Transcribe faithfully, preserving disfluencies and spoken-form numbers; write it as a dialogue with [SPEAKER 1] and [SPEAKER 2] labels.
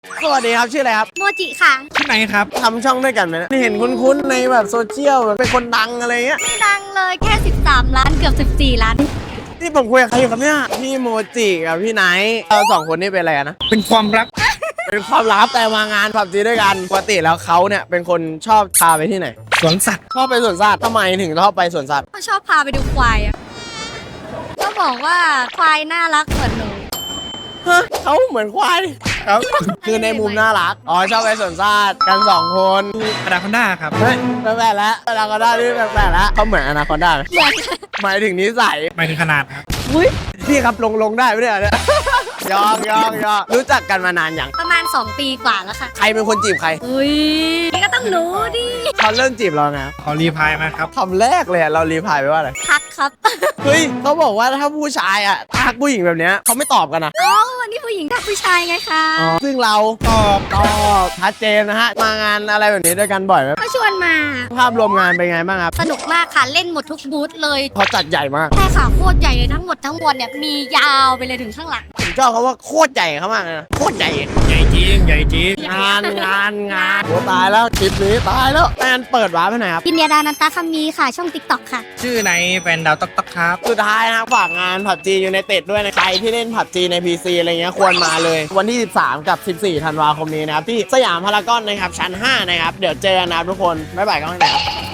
[SPEAKER 1] สวัสดีครับชื่ออะไรครับ
[SPEAKER 2] โมจิค่ะ
[SPEAKER 3] ที่ไหนครับ
[SPEAKER 1] ทำช่องด้วยกันไหมเห็นคุ้นๆในแบบโซเชียลแบบเป็นคนดังอะไรเงี้ย
[SPEAKER 2] ไม่ดังเลยแค่สิบสามล้านเกือบสิบสี่ล้าน
[SPEAKER 1] ที่ผมคุยกับใครอยู่ครับเนี่ยพี่โมจิกับพี่ไนท์เราสองคนนี่เป็นอะไรกันนะ
[SPEAKER 3] เป็นความรัก
[SPEAKER 1] เป็นความลับแต่มางานผับจีด้วยกันปกติแล้วเขาเนี่ยเป็นคนชอบพาไปที่ไหน
[SPEAKER 3] สวนสัตว์
[SPEAKER 1] ชอบไปสวนสัตว์ทำไมถึงชอบไปสวนสัตว์
[SPEAKER 2] ก็ชอบพาไปดูควายอะก็บอกว่าควายน่ารักเหมือนหนู
[SPEAKER 1] ฮะเขาเหมือนควาย
[SPEAKER 3] ครับ
[SPEAKER 1] คือในมุมน่ารักอ๋อชอบไปสวนสัตว์กันสองคน
[SPEAKER 3] อนาคอนด้าครับ
[SPEAKER 1] เฮ้ยแปลกๆแล้วอนาคอนด้านี่แปลกๆแล้วเขาเหมือนอนาคอนด้าไหม
[SPEAKER 2] เหมือน
[SPEAKER 1] หมายถึงนิสัย
[SPEAKER 3] หมายถึงขนาดครับ
[SPEAKER 1] อุ้ยพี่ครับลงลงได้ไหมเนี่ยเนี่ย ยองยองยองรู้จักกันมานานอย่าง
[SPEAKER 2] ประมาณสองปีกว่าแล้วค่ะ
[SPEAKER 1] ใครเป็นคนจีบใคร
[SPEAKER 2] อุ้ยนี่ก็ต้องรู้ดิ
[SPEAKER 1] เขาเริ่มจีบเราไง
[SPEAKER 3] ขอรีพลายมาครับ
[SPEAKER 1] คำแรกเลยอะเรารีพลายไปว่าอะไร
[SPEAKER 2] ทักครับ
[SPEAKER 1] เฮ้ยเขาบอกว่าถ้าผู้ชายอ่ะทักผู้หญิงแบบเนี้ยเขาไม่ตอบกันนะ
[SPEAKER 2] อ๋อวันนี้ผู้หญิงทักผู้ชายไงคะ
[SPEAKER 1] อ๋อซึ่งเราตอบตอบชัดเจนนะฮะมางานอะไรแบบนี้ด้วยกันบ่อยไหม
[SPEAKER 2] ก็ชวนมา
[SPEAKER 1] ภาพรวมงานเป็นไงบ้างครับ
[SPEAKER 2] สนุกมากค่ะเล่นหมดทุกบูธเลย
[SPEAKER 1] เขาจัดใหญ่มาก
[SPEAKER 2] แต่ค่ะโคตรใหญ่เลยทั้งหมดทั้งมวลเนี่ยมียาวไปเลยถึงข้างหลัง
[SPEAKER 1] ผมชอบเขาว่าโคตรใหญ่เขามากเลยนะโคตรใหญ่
[SPEAKER 3] ใหญ่จริง ใหญ่จริง
[SPEAKER 1] งานงานงานโอ้ตายแล้วคลิปนี้ตายแล้วงานเปิดวาร์ปไปไหนครับ
[SPEAKER 2] พิญญาดานันตาคำมีค่ะช่องติ๊กต็อกค่ะ
[SPEAKER 3] ชื่อไหนแฟนดาวต๊อกต๊อกครับ
[SPEAKER 1] สุดท้ายนะครับฝากงานผับจีอยู่ในเต็ดด้วยนะใครที่เล่นผับจีใน พี ซี อะไรเงี้ยควรมาเลย วันที่ สิบสาม กับ สิบสี่ ธันวาคมนี้นะครับ ที่สยามพารากอนนะครับ ชั้น ห้า นะครับ เดี๋ยวเจอกันนะครับทุกคน บ๊ายบายกันนะครับ